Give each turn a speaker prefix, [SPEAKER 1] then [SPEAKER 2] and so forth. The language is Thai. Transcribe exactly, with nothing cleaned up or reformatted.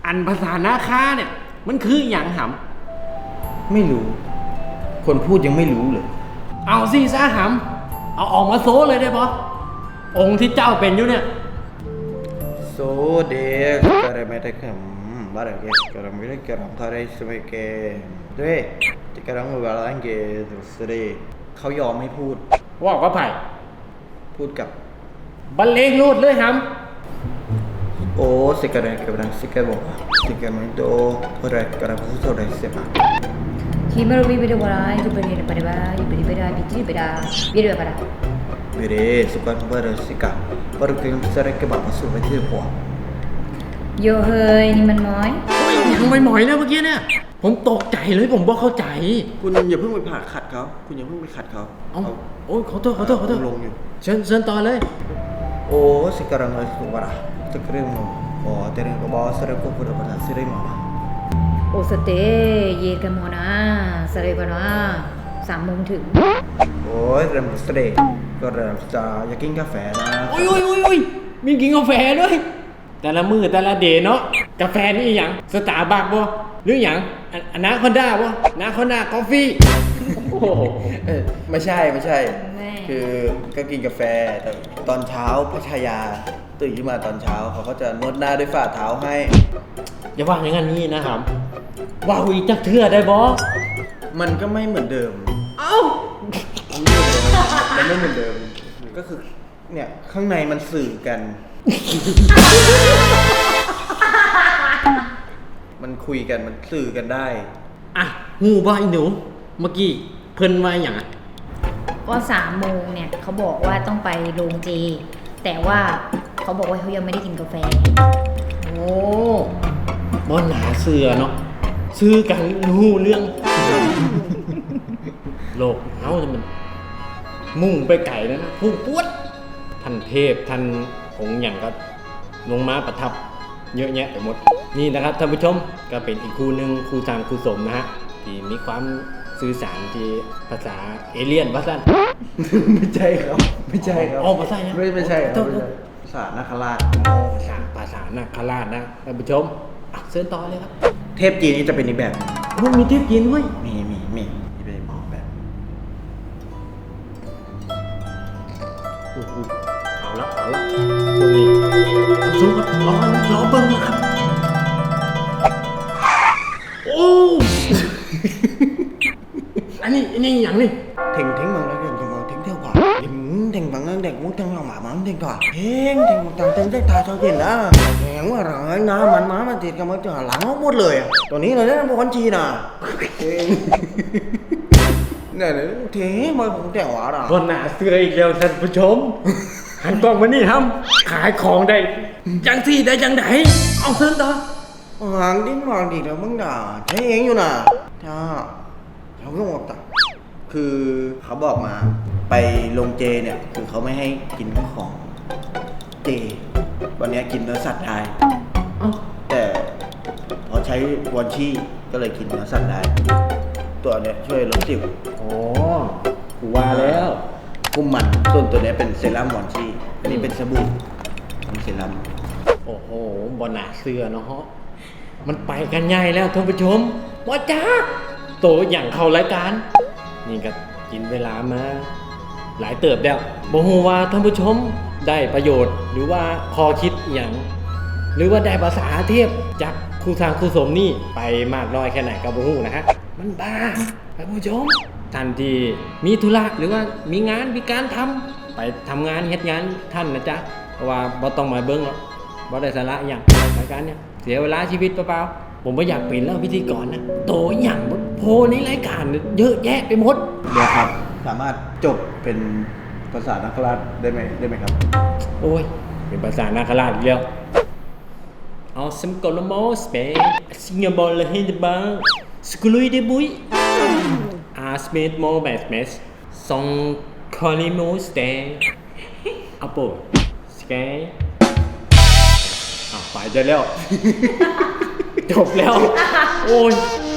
[SPEAKER 1] อันภาษานาคาเนี่ยมันคืออย่างห
[SPEAKER 2] ำไม่รู้คนพูดยังไม่รู้เลย
[SPEAKER 1] ำเอาสิซะหำเอาออกมาโซเลยได้ปะองค์ที่เจ้าเป็นอยู่เนี่ย
[SPEAKER 2] โซเดสการไม่ได้คำบาร์เกสการไม่ได้การทาริสไม่เกด้วยที่การไม่บาร์เกสสุดเลยเขายอมไม่พูด
[SPEAKER 1] ว่าก็ไผ่
[SPEAKER 2] พูดกั
[SPEAKER 1] บบรรเลงรูดเลยหำ
[SPEAKER 2] โอ้สิการเนี่ยการสิการบอกสิการมันโตอะไรการพูดอะไรเสียมา
[SPEAKER 3] คิมเราไม่ไปดูอะไรดูไปเรียนไปได้บ้างอยู่ไปได้ไปได้ไปที่ไปได้ไปได้ไปได้
[SPEAKER 2] เบรสุกันบาร์สิกาบาร์กิมสระเก็บมาสู่ไปที่หัว
[SPEAKER 3] โยเฮยนี่มันม้อย
[SPEAKER 1] ยังไม่หมอยนะเมื่อกี้เนี่ยผมตกใจเลยผมบอกเข้าใจ
[SPEAKER 2] คุณอย่าเพิ่งไปผ่าขัดเขาคุณอย่าเพิ่งไปขัดเขา
[SPEAKER 1] เอาโอ้ยขอโทษขอโทษขอโทษ
[SPEAKER 2] ลงอยู่
[SPEAKER 1] เชิญเชิญต่อเลย
[SPEAKER 2] โอ้สิการงานสุวรรณจะเรื่องมั้งโอ้แต่เรื่องก็บอกสระก็พูดภาษาสิริมา
[SPEAKER 3] โอ้สเตย์เย็นกันหมดนะสระบ้านว่าสามโมงถึง
[SPEAKER 2] โอ้ยเรื่องสเตย์ก็เรื่องจะอยากกินกาแฟนะ
[SPEAKER 1] โอ้ยโอ้ยโอ้ยโอ้ยมีกินกาแฟด้วยแต่ละมือแต่ละเดย์เนาะกาแฟนี่อย่างสตาร์บัคบ่หรืออย่างอนาคอนด้าบ่นาคอนด้ากาแฟ
[SPEAKER 2] ไม่ใช่ไม่ใช่คือก็กินกาแฟแต่ตอนเช้าพัชยาตื่นขึ้นมาตอนเช้าเขาก็จะนวดหน้าด้วยฝ่าเท้าให้
[SPEAKER 1] อย่าว่าอย่างนั้นนี่นะครับว้าวอีกจักเทื่อได้บ่
[SPEAKER 2] มันก็ไม่เหมือนเดิม
[SPEAKER 1] เอ้า
[SPEAKER 2] มันไม่เหมือนเดิมก็คือเนี่ยข้างในมันสื่อกันมันคุยกันมันสื่อกันได้
[SPEAKER 1] อ่ะหูว่าไอ้หนูเมื่อกี้เพิ่นว่าอย่างอ่ะ
[SPEAKER 3] ว่าสามโมงเนี่ยเขาบอกว่าต้องไปโรงเจแต่ว่าเขาบอกว่าเขายังไม่ได้กินกาแฟ
[SPEAKER 1] โอ้บอนหนาเสือเนาะซื้อกันรู้เรื่องโลกเฮ้าจะมันมุ่งไปไก่แล้วนะพุ่งปวดท่านเทพท่านองค์อย่างก็ลงมาประทับเยอะแยะไปหมดนี่นะครับท่านผู้ชมก็เป็นอีกครูหนึ่งครูทางครูสมนะฮะที่มีความสื่อสารที่ภาษาเอเลี่ยนภาษา
[SPEAKER 2] ไม่ใช่ครับไม่ใช่ครับ
[SPEAKER 1] อ๋อภาษา
[SPEAKER 2] ไม่ไม่ใช่ครับภาษานาคราช
[SPEAKER 1] ภาษาภาษานาคราชนะท่านผู้ชมเชิญต่อเลยครับ
[SPEAKER 2] เทพจีนนี่จะเป็นอีกแบบ
[SPEAKER 1] มันมีเทพจีนด้วย
[SPEAKER 2] มีมีมีมีเป็นแบบ
[SPEAKER 1] เอาละเอาละตรงนี้สู้ครับรอรอเบิ้งนะครับโอ้อันนี้อันนี้อย่างนี้
[SPEAKER 2] เท่งเท่งบางแล้วเท่งเท่งบางเท่งเท่ากว่าเท่งเท่งบางนั้นเด็กมุดเท่งหลังหมามันเท่งกว่าเท่งเท่งต่างเท่งเท่งตาชาวจีนนะแหงว่าหลังน้ำมันม้ามันติดกันมันจะหลังหมดเลยตัวนี้เลยนะพวกคนจีนอ่ะเท่งเนี่ยเท่งมาผมแต่งหวานอ่ะ
[SPEAKER 1] คนหนาเสื้ออีกแล้วท่านผู้ชมหันกล้องมานี่ทำขายของได้จังที่ได้จังไหนเอาเส้นต่อ
[SPEAKER 2] หางดิ้นหางดีแล้วมึงด่าใช้เองอยู่น่ะจ้าเขาก็บอกต่างคือเขาบอกมาไปลงเจเนี่ยคือเขาไม่ให้กินของเจวันนี้กินเนื้อสัตว์ได้แต่พอใช้วอนชี่ก็เลยกินเนื้อสัตว์ได้ตัวเนี้ยช่วยลดสิว
[SPEAKER 1] โอ้ว่าแล้ว
[SPEAKER 2] กุมมันส่วนตัวนี้เป็นเซรั่มวอนชี่อันนี้เป็นสบู่เป็นเซรั่ม
[SPEAKER 1] โอ้โหบอหนาเสื้อเนาะมันไปกันใหญ่แล้วท่านผู้ชมว่าจ้าโตอย่างเข้ารายการนี่ก็กินเวลามาหลายเติบแล้วบ่ฮู้ว่าท่านผู้ชมได้ประโยชน์หรือว่าคอคิดอย่างหรือว่าได้ภาษาเทพจากครูทางครูสมนี่ไปมากน้อยแค่ไหนก็บ่ฮู้นะฮะมันบ้าท่านผู้ชมท่านที่มีธุระหรือว่ามีงานมีการทำไปทำงานเฮ็ดงานท่านนะจ๊ะเพราะว่าบ่ต้องมาเบิ่งหรอกบ่ได้สาระอย่างรายการเนี้ยเสียเวลาชีวิตเปล่าๆผมไม่อยากเป็นแล้วพิธีกรนะโตอย่างโพในรายการเยอะแยะไปหมด
[SPEAKER 2] เดี๋ยวครับสามารถจบเป็นภาษานาคราชได้ไหมได้ไหมครับ
[SPEAKER 1] โอ้ยเป็นภาษานาคราชอีกแล้วเอาสมกลโมสเปซิงบอลเลยให้บ้างสกุลุยเดบุยอาสเมดโมแบสเมสซองคอนิโมสเตอัปโปสเกย์อ่ะไปจะแล้วจบแล้วโอ้ย